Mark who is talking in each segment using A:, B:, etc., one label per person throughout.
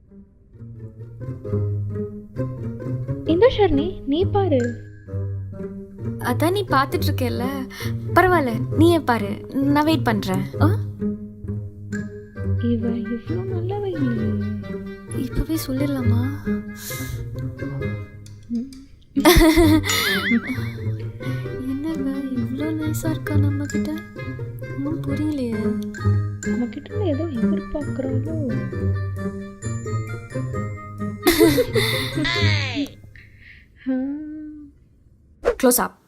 A: இந்த ஷர்ணி நீ பாரு.
B: அதான் நீ பார்த்துட்டு இருக்கேல்ல, பரவாயில்ல நீயே பாரு, நான் வெயிட் பண்றேன்.
A: இவ இவ்வளோ நல்லவ இல்லையே.
B: இப்பவே சொல்லிடலாமா? என்னங்க இவ்வளோ நைஸா இருக்கா நம்ம கிட்ட? ஒன்றும் புரியலையே.
A: நம்ம கிட்ட ஏதோ எதிர்பார்க்குறாளோ.
B: Close up.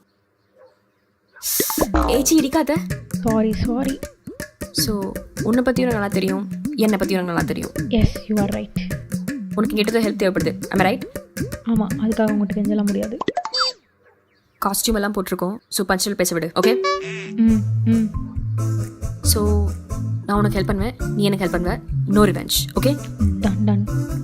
B: ஏச்சி இடிக்காத.
A: சாரி.
B: ஸோ உன்னை பற்றியும் எனக்கு நல்லா தெரியும், என்னை பற்றியும் எனக்கு நல்லா தெரியும்.
A: Yes you are right.
B: உனக்கு கேட்டது ஹெல்ப் தேவைப்படுது, ஐம் ரைட்?
A: ஆமாம், அதுக்காக உங்கள்கிட்ட கெஞ்சலாம் முடியாது.
B: காஸ்டியூம் எல்லாம் போட்டிருக்கோம், ஸோ பஞ்சுவல் பேச விடு, ஓகே? ஸோ நான் உனக்கு ஹெல்ப் பண்ணுவேன், நீ எனக்கு ஹெல்ப் பண்ணுவேன். No revenge, okay?
A: Done.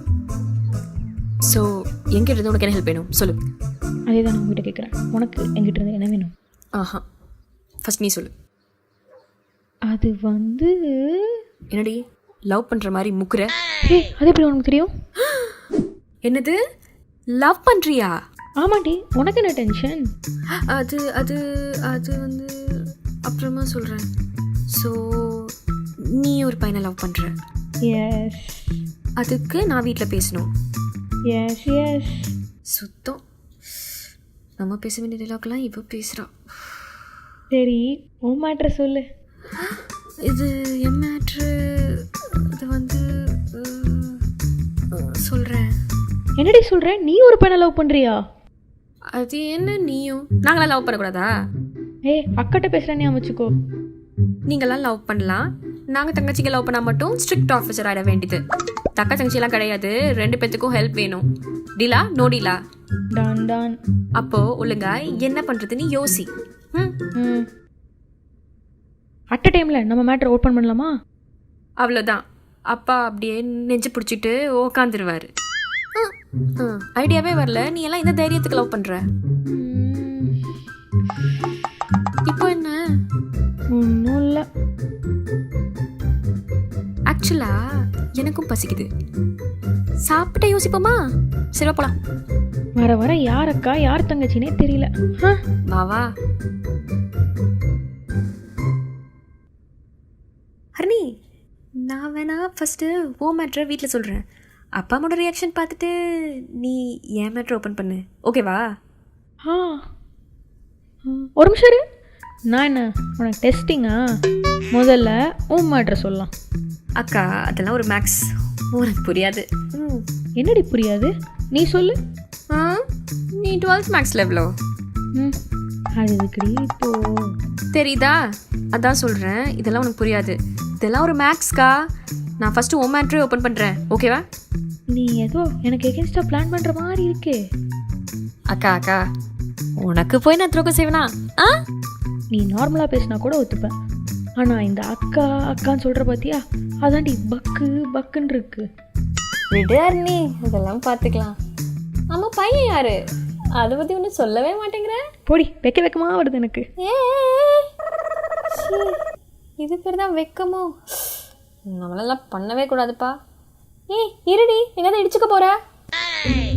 B: So எங்கிட்ட இருந்து உனக்கு என்ன ஹெல்ப் வேணும் சொல்லு.
A: அதே தான் நான் உங்ககிட்ட கேட்குறேன். உனக்கு எங்கிட்ட இருந்து என்ன வேணும்?
B: ஆஹா, ஃபர்ஸ்ட் நீ சொல்லு.
A: அது வந்து
B: என்னடி லவ் பண்ணுற மாதிரி முக்குற?
A: அது எப்படி உனக்கு தெரியும்?
B: என்னது லவ் பண்ணுறியா?
A: ஆமாண்டி, உனக்கு என்ன டென்ஷன்?
B: அது அது அது வந்து அப்புறமா சொல்கிறேன். ஸோ நீ ஒரு பையனை லவ் பண்ணுற?
A: எஸ்.
B: அதுக்கு நான் வீட்டில் பேசணும்?
A: எஸ்.
B: சுத்தம் நம்ம பேச வேண்டிய டைலாக்லாம் இப்போ பேசுகிறா.
A: சரி, உன் மேட்ரை சொல்லு.
B: இது என் மேட்ரு. இது வந்து சொல்கிறேன்.
A: என்னடி சொல்கிற? நீ ஒரு பையனை லவ் பண்ணுறியா?
B: அது என்ன நீயும் நாங்களாம் லவ் பண்ணக்கூடாதா?
A: அக்காட்ட பேசுகிறேன்னு அமைச்சுக்கோ.
B: நீங்களாம் லவ் பண்ணலாம், நாங்கள் தங்கச்சிங்க லவ் பண்ணால் மட்டும் ஸ்ட்ரிக்ட் ஆஃபீஸர் ஆகிட வேண்டியது. தக்க தங்கச்சியெல்லாம் கிடையாது, 2 பேத்துக்கும் ஹெல்ப் வேணும். டீலா? நோ டீலா?
A: டான்.
B: அப்போது ஒழுங்கா என்ன பண்ணுறதுன்னு யோசி.
A: அட் அ டைமில் நம்ம மேட்ரை ஓப்பன் பண்ணலாமா?
B: அவ்வளோதான். அப்பா அப்படியே நெஞ்சு பிடிச்சிட்டு உக்காந்துருவார். ஐடியாவே வரல, நீ எல்லாம் இந்த தைரியத்துக்கு லவ் பண்ணுற? இப்போ என்ன?
A: ஒன்றும் இல்லை.
B: ஆக்சுவலா எனக்கும் பசிக்குது, சாப்பிட்டே யோசிப்போமா? சரி போலாம்.
A: வர யார் அக்கா யார் தங்கச்சினே தெரியல.
B: வா ஹர்னி, நான் வேணா ஃபஸ்ட்டு ஓ மேட்ரை வீட்டில் சொல்கிறேன். அப்பா அம்மாவோட ரியாக்ஷன் பார்த்துட்டு நீ என் மேட்ரை ஓப்பன் பண்ணு, ஓகேவா?
A: ஒரு நிமிஷம் இரு. நான் என்ன உனக்கு டெஸ்டிங்கா? முதல்ல உன் மேட்ரை சொல்லலாம்.
B: அக்கா அதெல்லாம் ஒரு மேக்ஸ், உனக்கு புரியாது.
A: என்னடி புரியாது? நீ சொல்லு.
B: நீ 12th மேக்ஸ் லெவலோ?
A: அது இதுக்கடி இப்போ
B: தெரியுதா? அதான் சொல்கிறேன், இதெல்லாம் உனக்கு புரியாது. இதெல்லாம் ஒரு மேக்ஸ்க்கா. நான் ஃபஸ்ட்டு ஓ மேட்ரே ஓப்பன் பண்ணுறேன், ஓகேவா?
A: நீ ஏதோ எனக்கு எகென்ஸ்டாக பிளான் பண்ணுற மாதிரி இருக்கே.
B: அக்கா உனக்கு போய் நான் துரோகம் செய்வேனா?
A: நீ நார்மலாக பேசினா கூட ஒத்துப்பேன். ஆனால் இந்த அக்கான்னு சொல்கிற பார்த்தியா, அதாண்டி பக்குன்னு இருக்கு.
B: விடார் நீ, இதெல்லாம் பார்த்துக்கலாம். ஆமாம், பையன் யாரு? அதை பற்றி ஒன்றும் சொல்லவே மாட்டேங்கிற.
A: போடி, வெக்கமாக வருது எனக்கு.
B: இது பேர் தான் வெக்கமோ? நம்மளெல்லாம் பண்ணவே கூடாதுப்பா. இருடி, எங்கேயாவது இடிச்சுக்க போகிற?